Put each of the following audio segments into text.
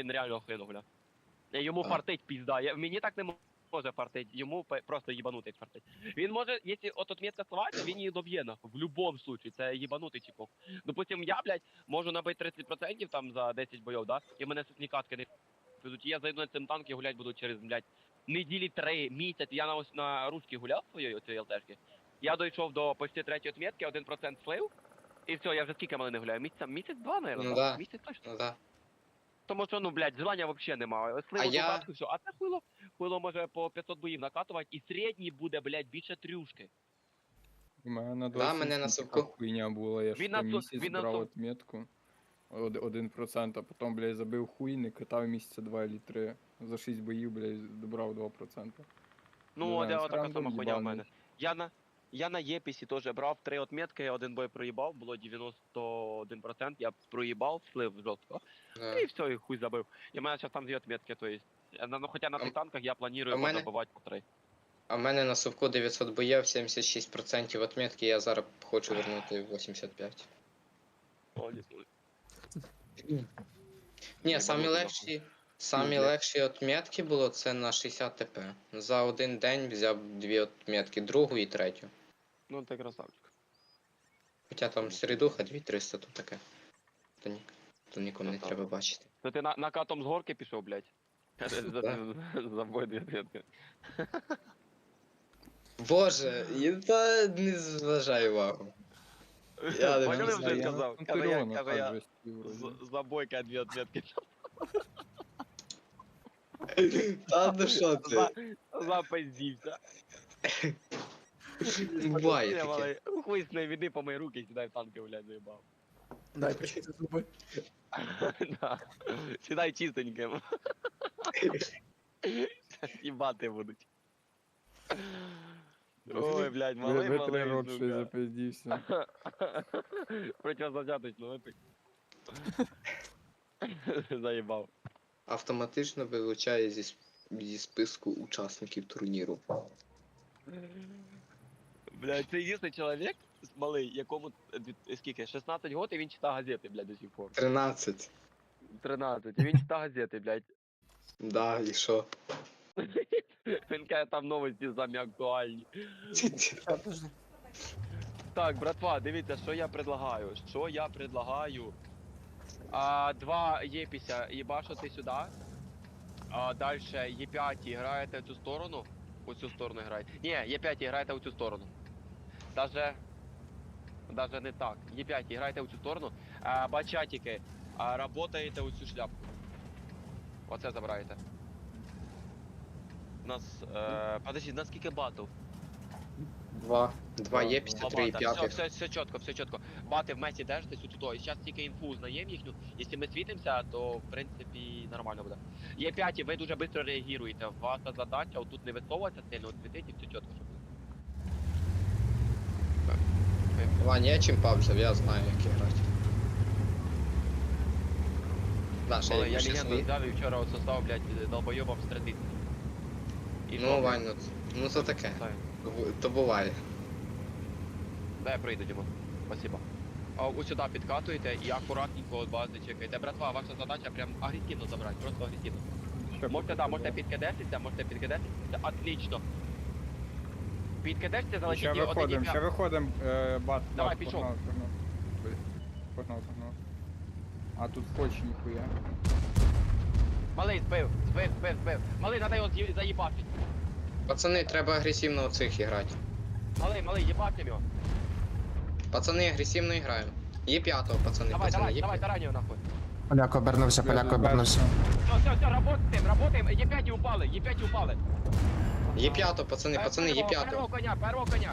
він реально охуєнно гуляв. Йому А. фартить пізда. Мені так не може фартить, йому просто їбанутий фартить. Він може, якщо от отметка слова, він її доб'є нахуй. В будь-якому случаю, це їбанутий типок. Допустим, я, блядь, можу набити 30% там за 10 бойов, да? І мене ні катки не підуть. І я зайду на цим танк і гулять буду через, блядь, неділі 3, місяць. Я на русській гуляв своєї оцієї ЛТшки. Я дійшов до почти 3-ї отметки, 1% слив. І все, я вже скільки мене не гуляю? Місяць-два, наверное, Ну так? да. Місяць точно. Ну да. Тому що, ну, блядь, желання взагалі немає. Сливу я- катку, все. А це хуйло може по 500 боїв накатувати, і середній буде, блядь, більше трюшки. У мене Да, мене на досить така совку. хуйня була, я ж Він на там су- місяць він на брав сов- отметку. 1%, а потім, блядь, забив хуй, не катав місяця 2 чи 3. За 6 боїв, блядь, добрав 2%. Ну, Не от знаю, я це така рандом сама хуйня в мене. їбаний. Я на Єпісі теж брав 3 отметки, один бой проїбав, було 91%, я проїбав, слив жорстко. Да. І все, і хуй забив. І в мене зараз там 2 отметки, то есть. Ну, хоча на А- цих танках я а планую в мене- забивати по 3. А в мене на совку 900 боїв, 76% отметки, я зараз хочу вернути 85. Ні, самі легші отметки було це на 60 ТП. За один день взяв 2 отметки, другу і третю. Ну, ти красавчик. Хоча там середуха 2300 тут таке. То нікому не Ну, так. треба бачити. То ти накатом з горки пішов, блядь? За бой 2 отметки. Боже, та не зважай увагу. Я не Поняли, знаю, вже я сказав? Ну, Каже, Тиріона каже, так я же стів вроді. за бойка 2 отметки. Та ну що ти? Запиздівся. Буває Я, таке. малий, хуй з неї віди по мої руки, сідай в танки, блядь, заїбав. Дай почати зуби. Да. Сідай чистеньким. Їбати будуть. Ой, блядь, малий, Витри малий, рот, що й сука. запиздівся. Противозачаточно випий. Заїбав. Автоматично вилучає зі списку учасників турніру. Блядь, це єдиний чоловік, малий, якому, скільки, 16 років, і він читає газети, блядь, до сих пор. 13. 13, і він читає газети, блядь. Да, і що? Він каже, там новості самі актуальні. А, подожди. Так, братва, дивіться, що я предлагаю. Що я предлагаю? 2 Єпіся їбашити сюди. Далі Є5 граєте в цю сторону. У цю сторону граєте. Ні, Є5 граєте у цю сторону. Даже не так. Є5 граєте у цю сторону. Бачатики, работаєте у цю шляпку. Оце забираєте. У нас, подожди, у нас скільки батл? 2 є, після 3 і 5. Все чітко, все чітко. Бати в месі держитесь отуди. І зараз тільки інфу узнаємо їхню. Якщо ми світимося, то в принципі нормально буде. Є 5, ви дуже швидко реагуєте. Ваша задача отут не висовуватися сильно, от світить і все чітко, щоб буде. Вань, я чимпа взяв, я знаю, як грати. Да, ще Але я я ще легенду свої. взяв і вчора от состав, блядь, долбойобом стрелити. Ну, Вань, ну то таке. То буває. Дай я прийду, Дімо. Спасибо. Ось сюди підкатуєте і акуратненько от бази чекаєте. Братва, ваша задача прям агресивно забрати, просто агресивно. Можете підкидатися, отлично. Підкидешся, Ще залетіть і виходимо, бат. Давай, бат, пішов. Погнав. А тут хоч ніхуя. Малий, збив. Малий, треба його заїбати. Пацани, треба агресивно оцих грати. Малий, їбати його. Пацани, агресивно граємо. Є 5-го, пацани, Давай, тараню нахуй. Поляк обернувся, поляк обернувся. Все, работаємо, Є5 упали. Є 5-го, пацани, є 5-го. Первого коня.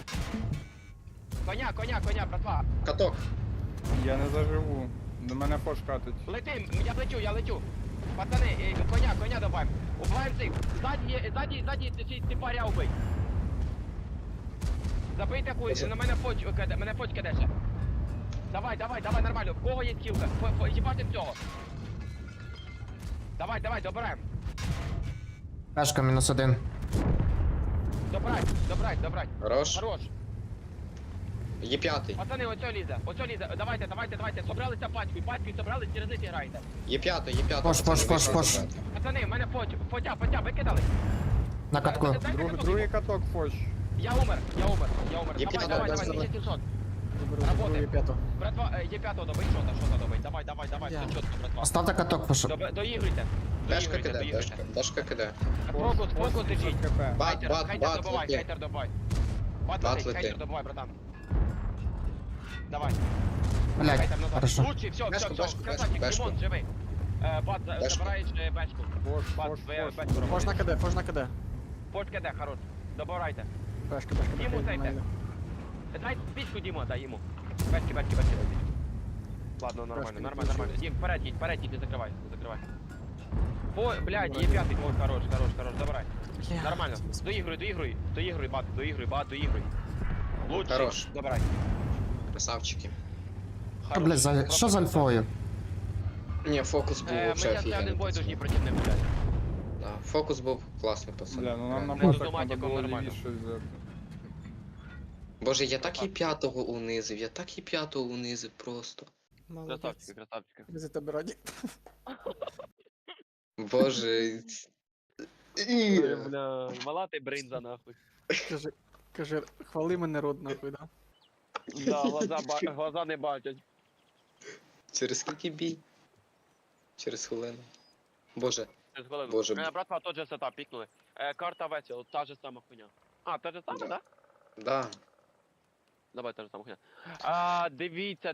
Коня, братва. Каток. Я не заживу. До мене фош катить. Летим, я лечу. Пацани, коня добавим. Убиваємо цих. Ззаді типаря убий. Забийте хуй, на мене фоч кидеше. Давай, нормально. В кого є кілка? Їбати цього. Давай, добираємо. Пешка -1. Добрать. Хорош. Хорош. Є п'ятий. Пацани, оцьо лізе. Давайте. Собралися пачкою, собрались, через них грайте. Є п'ятий. Пош. Пацани, в мене Фотя, викидали. На катку. Дайте каток. Другий каток фош. Я умер. Є Давай, п'ятий. 1700. Заберу є п'яту. Братва, є п'ятого добить, шота добить. Давай, Я. все чітко, братва. Поставте каток, пошу. Доігруйте. Дашка киде, Дашка киде. Фокус держіть. Бат, Хайтер добивай, лети. хайтер добивай. Бат Бат лети. хайтер добивай, братан. Давай. Блядь, Хайтер назад. хорошо. Лучший, все, Бешку. красавчик, Бешку. Димон, живий. Бат, Бешку. забираєш бешку. Бат, Фош. бешку робиш. Фож на КД. Фош КД, хорош. Добирайте. Бешка. Йому сейте. Дай пічку Діму, дай йому. Бешки. Ладно, нормально. Дім, вперед їдь, не закривай. Ой, блядь, є п'ятий, ой, хорош, забирай. Нормально. Доігруй, бат, доігруй. Лучший. Хорош. Добирай. Красавчики. Що, блядь, що з альфою? Ні, фокус був Ми вообще зараз один офігенний. бой должні проти них, блядь. Да, фокус був класний, пацан. Бля, ну нам на Ми з батах автоматиком треба було нормально. лівіше взяти. Боже, я так і п'ятого унизив, просто. Красавчики. Ми за тебе раді. Боже. Бля, мала ти бринза, нахуй. Каже, хвали мене род нахуй, да? Да, глаза не бачать. Через скільки бій? Через хвилину. Боже. Через хвилину. Боже. Братва, тот же сетап, пікнули. Карта весел, та же сама хуйня. А, та же сама, да? Да. Давай, та же сама хуйня. Дивіться.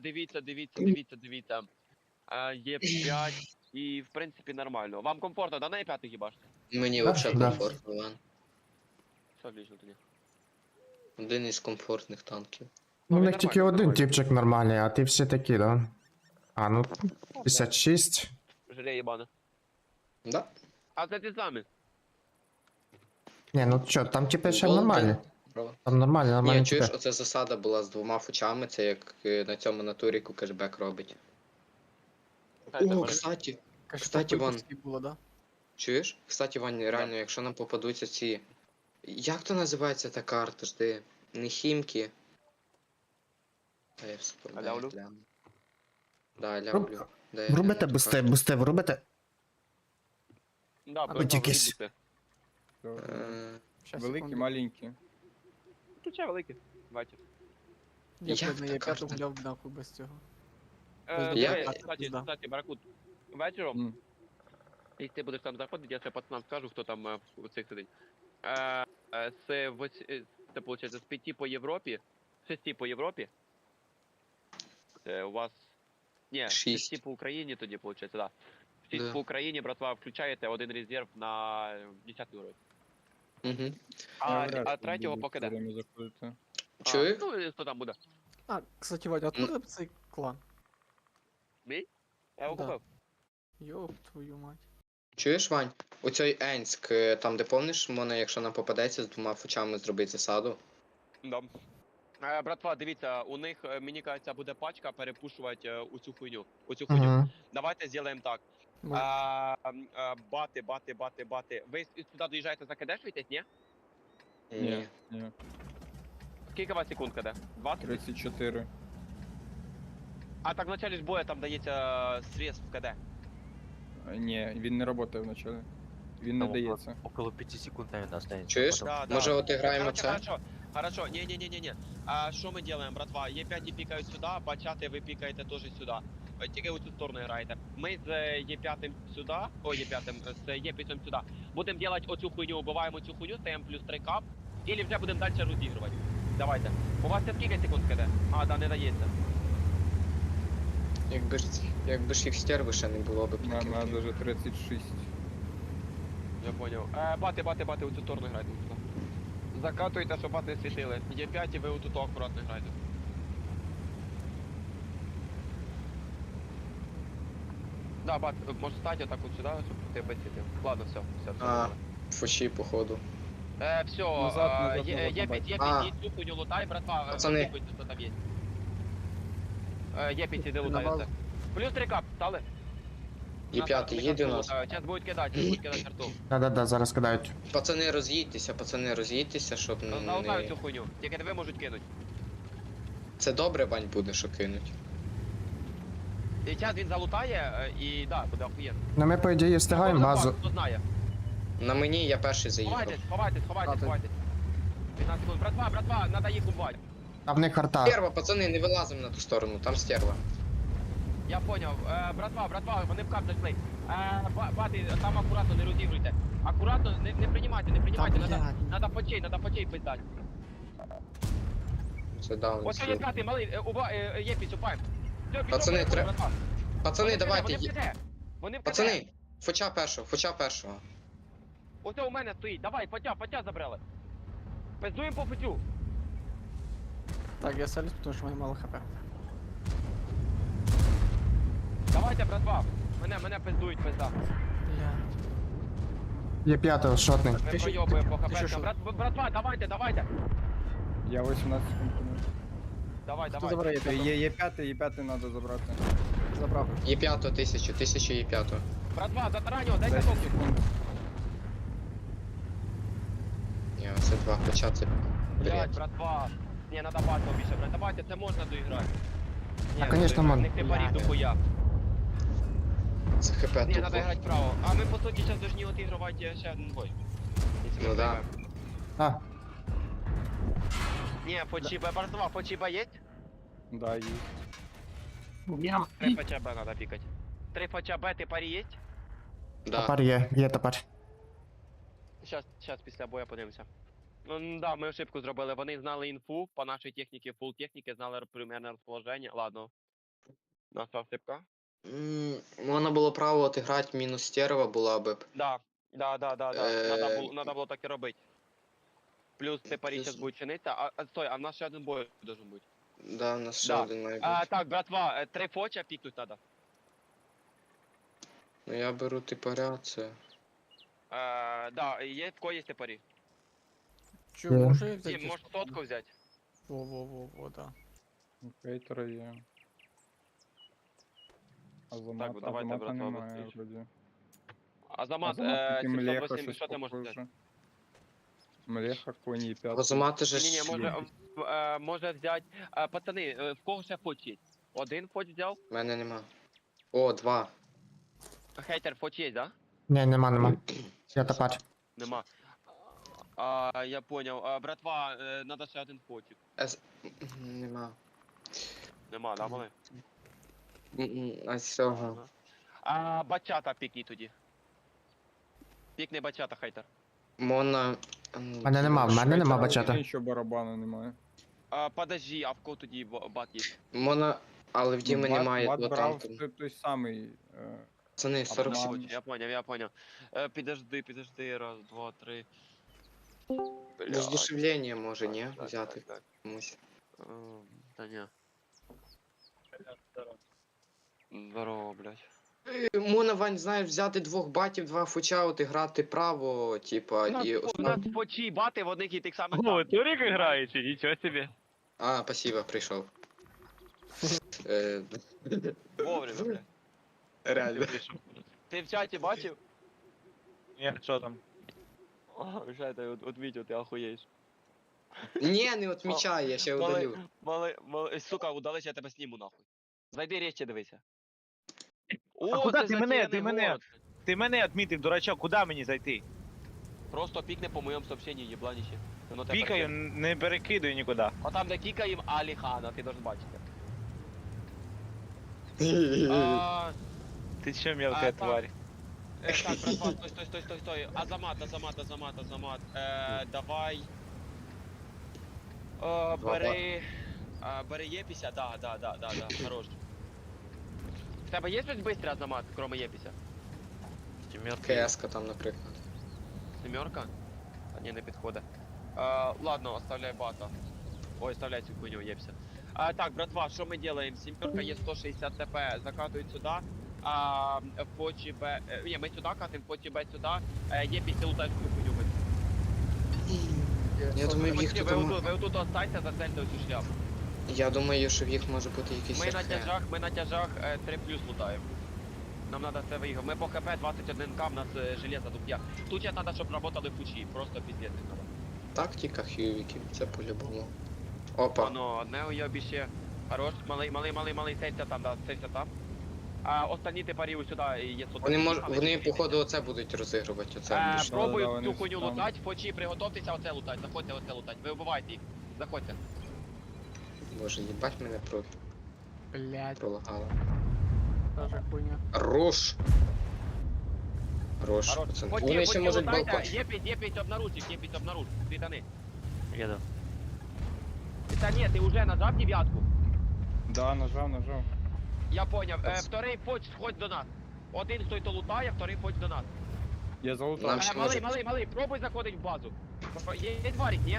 Є 5 і, в принципі, нормально. Вам комфортно, да, на Е5 хіба ж? Мені Да, вообще да. комфортно, Іван. Все отлично тоді. Один із комфортних танків. Ну, у він них тільки нормальний, один нормальний. типчик нормальний, а ти всі такі, да? А, ну, 56. Жалеє єбана. Да? А це ті самі. Ні, ну чо, там типи ще Голден. нормальні. Право. Там нормальні Ні, чуєш, типи. оце засада була з двома фучами, це як на цьому на туріку кешбек робить. О, кстати, Кстати, Ван. було, да? чуєш? Кстати, Вань, реально, якщо нам попадуться ці. Як то називається та карта? Жди. Не хімки. Та я вспоминаю. Алявлю? гляну. Да, лявлю. Да, я Врубите гляну ту бусте, карту. врубите. Да, Або тільки бути. Великі, маленькі. Тут ще великі. Бачиш. Я Як б не та є карта? п'яту гуляв нахуй без цього. Я- Кстати, Баракут, вечором, М. якщо ти будеш там заходити, я ще пацанам скажу, хто там у цих сидить. Це, виходить, з 5 по Європі, 6 по Європі, у вас, ні, 6. 6 по Україні тоді, виходить, да. 6 Да. по Україні, братва, включаєте один резерв на 10 уровень. Угу. А третього по КД. Чуєш? Ну, і хто там буде? А, кстати, Вадя, откуда цей клан? Мій? Я його Да. купив. Йоп, твою мать. Чуєш, Вань? Оцей Енськ, там де помниш, можна, якщо нам попадеться, з двома фучами зробити засаду. Да. Братва, дивіться, у них, мені кажеться, буде пачка перепушувати у цю хуйню. Угу. Давайте зробимо так. Бати. Ви сюди доїжджаєте закидешуєтесь, ні? Ні. Ні. Скільки у вас секунд киде? 20? 34. А так в началі ж бою там дається средств КД. Ні, він не працює вначалі. Він не Там дається. Около 5 секунд, наверное, останется. Чуєш? потом. Може, от граємо Короче, це? Хорошо, не. А що ми робимо, братва? Е5 пікають сюди, бачати ви пікаєте теж сюди. Тільки у цю сторону граєте. Ми з Е5 сюди, з Е5 сюди. Будемо робити оцю хуйню, убиваємо цю хуйню, стаємо плюс 3 кап, і вже будемо далі розігрувати. Давайте. У вас це скільки секунд киде? А, да, не дається. Якби ж їх стерви ще не було б У мене прикинь. навіть 36. Я понял. Бати, у цю сторону грайте. Сюди. Закатуйте, щоб бати світили. Е5 і ви у тут акуратно грайте. Да, бат, може стати отак от сюди, щоб ти без світив. Ладно, все. А. Фучі, походу. Все, Назад, Е5, А. цю хуйню лутай, братва, Пацани. випийте, що там є. Е5 іди лутається. Плюс 3 кап, стали? Є5, їде у нас. Зараз будуть кидати карту. Да, зараз кидають. Пацани, роз'їдьтеся, щоб Залутаю не... цю хуйню, тільки тебе можуть кинути. Це добре, Вань, буде, що кинуть. І зараз він залутає, і да, буде охуєнно. Ну ми, по ідеї, встигаємо Хто базу. Хто знає? На мені я перший заїхав. Ховайтесь. 15 секунд. Братва, надо їх убивати. А в них арта. Стерва, пацани, не вилазимо на ту сторону, там стерва. Я поняв. Братва, вони в кап зайшли. Бати, там акуратно не розігруйте. Акуратно, не приймайте. Надо почей пиздати. Це даун. Ось є п'ятий, малий, є підсупаєм. Пацани, Пацани, давайте. Вони в КТ. Пацани, фоча першого. Ось у мене стоїть. Давай, потя забрали. Пиздуємо по путю. Так, я селюсь, потому что у меня мало хп. Давайте, братва. Мене пиздують, пизда. Бля. Є п'ятого, шотний. Ми Ти що- пройобуємо по ти що, хп. що? Братва, давайте. Я 18 секунд. Давай. Хто забирає п'ятого? Є п'ятий треба забрати. Забрав. Є п'ятого, 1000 є п'ятого. Братва, затараньо, дайте 10 токсик. секунд. Ні, це два, хоча це Блять, бред. братва. Не, надо батл більше брати. Давайте, це можна доіграти. А, конечно, можна. Не ти парів дохуя. Це хп Не, тупо. надо грати вправо. А ми, по суті, зараз должны отігрувати ще один бой. Якщо ми Ну да. виграємо. А, Не, братва, фочиба є? Да, є. 3 ФЧБ надо пікати. 3 ФЧБ, ти парі є? Да. топар є топар. Щас після бою подивимося. Ну да, ми ошибку зробили. Вони знали інфу по нашій техніці, фул техніки, знали примерне розположення. Ладно. Наша ошибка. Можна було право отіграти, мінус стерва була би. Да. Е, Надо було так і робити. Плюс ти парі плюс- зараз буде чинитися. Стой, а в нас ще один бой должен бути. Да, у нас ще Да. один має бути. Так, братва, 3 фоча пікнуть надо. Ну я беру типаря, це. Да, є в кого є парі. Че, Є. може я Дім, взяти? можеш сотку взяти. Во, да. Хейтера є. Так, давайте, братва, немає быстріше. вроді. Азамат, Азамат, тільки Млеха 708, щось що ти можеш взяти? похоже. Млеха, коні і п'ятий. Розумати же Ні, ж. може взяти. Пацани, в кого ще фоч є? Один фоч взяв? В мене нема. О, два. Хейтер фоч є, да? Ні, нема. Я топар. Нема. Я понял. Братва, надо ще один фочик. Нема. Нема, да, мали? А цього. Бачата пікні тоді. Пікни бачата, хейтер. Мона. Мене нема, в мене нема бачата. Ще барабану немає. Подожди, а в кого тоді бат є? Мона. Але в Діми Бат- немає, Бат бо брав там. той самий. Пацани, 40 Або- секунд. Я понял. Підожди, раз, два, три. Роздушевлення може, ні? Так, Взяти так. комусь. Та ні. Здорово, блядь. Мона, Вань, знаєш, взяти двох батів, два фуча, от і грати право, типа, і У нас фочі бати в одних і тих самих. О, ви Турік граєте? Нічого собі. А, спасибо, прийшов. Е, Вовремя, блядь. Реально. Ти в чаті бачив? Ні, що там? Жайте, от відео, ти охуєш. Ні, не отмічай, я ще удалю. Сука, удалиш, я тебе сніму нахуй. Зайди речі, дивися. А куди це ти мене? затеряний Ти мене? город. Ти мене відмітив, дурачок, куди мені зайти? Просто пікни по моєму сообщенню, єбланіще. Воно тебе Пікаю, перекине. не перекидую нікуди. А там, де кікаєм Аліхана, ти должен бачити. А, Ти що, мелка так. тварь? Так, братва, стой. Азамат. Давай. Бери Єпіся, да, хорош. В тебе є щось бистре, Азамат, кроме Єпіся? КС-ка там, наприклад. Семерка? А ні, не підходить. Ладно, оставляй бата. Ой, оставляй цю хуйню, Єпся. Так, братва, що ми делаем? Семерка є 160 ТП, закатують сюди. Фочі Б... Ні, ми сюди катим, Фочі Б сюди. Єпіся лутаєш цю хуйню. Я думаю, в їх тут. Ви отут останьте, зацельте оцю шляпу. Я думаю, що в їх може бути якийсь Ми на тяжах 3 плюс лутаємо. Нам надо це виїхати. Ми по ХП 21к, в нас железо тут я. Тут я треба, щоб работали фучі, просто піздець не треба. тактика хювіків, це по-любому. Опа. Воно, одне уйобіще. Хорош, малий, сейся там, да, сейся там. А останні ти парів сюди, і є тут. Вони походу оце будуть розігрувати, оце. Пробуй Да-да-да, вони цю хуйню там. лутать, фочі, приготовтеся оце лутать, заходьте оце лутать. Ви вбивайте їх, заходьте. Боже, їбать мене Блять, пролагало. тоже хуйня. Рош! Рош, Хорош. пацан. Фочі, Вони ще фочі можуть лутайте, балкон. єпіть обнаружь їх, єпіть обнаружь, світани. Еду. Та ні, ти вже нажав дев'ятку. Да, нажав. Я поняв. Вторий фоч сходь до нас. Один хто й то лутає, вторий фоч до нас. Я залутав. Нам ще може- Малий, пробуй заходить в базу. Є варік, ні?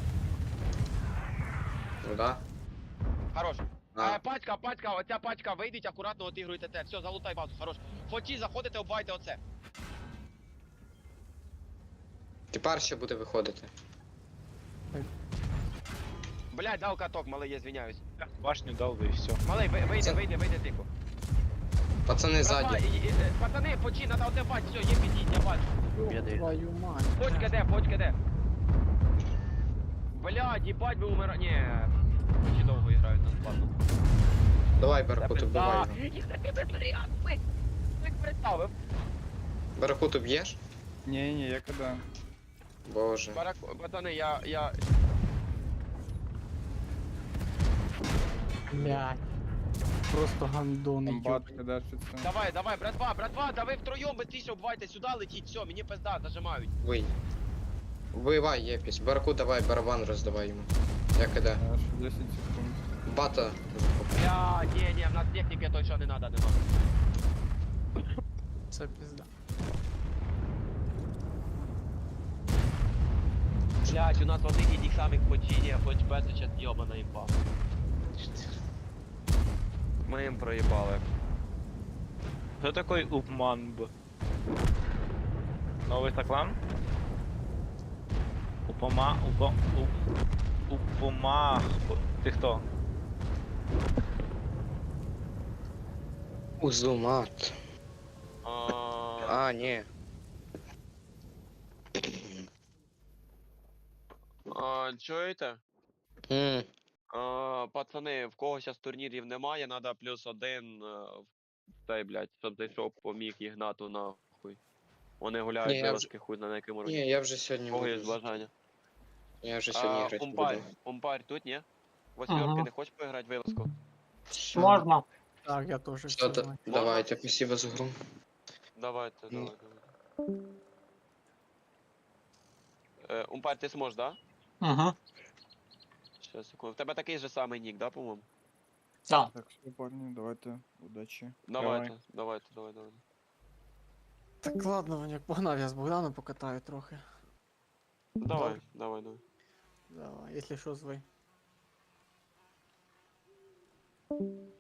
Ну да. Хорош. А, Пачка, оця пачка, вийдіть, акуратно отігруйте те. Все, залутай базу, хорош. Фочі, заходите, обвайте оце. тепер ще буде виходити. Блядь, дав каток, малий, я звиняюсь. Башню дав би і все. Малий, Це- вийди тихо. Пацани Братва, ззаді. Пацани, фочі, надо оце бать, все, є підіть, я бачу. Беды. Твою мать. Почка де? Блядь, їбать ви умира... Ні. Чи довго грають нас, ладно. Давай, Баракут, убивай його. Їх таки безпорядки. Як представив? Баракут уб'єш? Ні, я коли. Боже. Пацани, я... Блять. Просто гандони, Там бат ёбаный. кидашиться. Давай, братва, да ви втроєм быстріше обвайте сюди, летіть, все, мені пизда, зажимають. Вий. Вбивай, Єпісь. Баракут, давай, барабан роздавай йому. Я кида. Я ще 10 секунд. Бата. Бля, ні, в нас техніки той, що не надо, нема. Це пизда. Блядь, у нас один і тих самих починів, хоч без сейчас йобана імба. Ми їм проїбали. Хто такий Упманб? Новий таклан? Упомах. Ти хто? Узумат. А, ні. Чуєте? Пацани, в кого зараз турнірів немає, надо +1 в цей, блядь, щоб зайшов, поміг Ігнату нахуй. Вони Ні, гуляють я вилазки хуй на якому роді. Ні, я вже сьогодні Кого є буду. бажання? Я вже сьогодні грати Умпарь, буду. умпарь тут, ні? Восьмерки, Ага. не хочеш поіграти вилазку? Можна. Так, я тоже Що все. то? Давайте, спасибо за гру. Давайте, Ну. давай. Умпарь, ти зможеш, да? Ага. Щас, секунду. В тебе такий же самий нік, да, по-моєму? Так. Так, все, парні, давайте. Удачі. Давайте. Так ладно, Ваняк, погнав, я з Богданом покатаю трохи. Давай. Давай, якщо що, звай.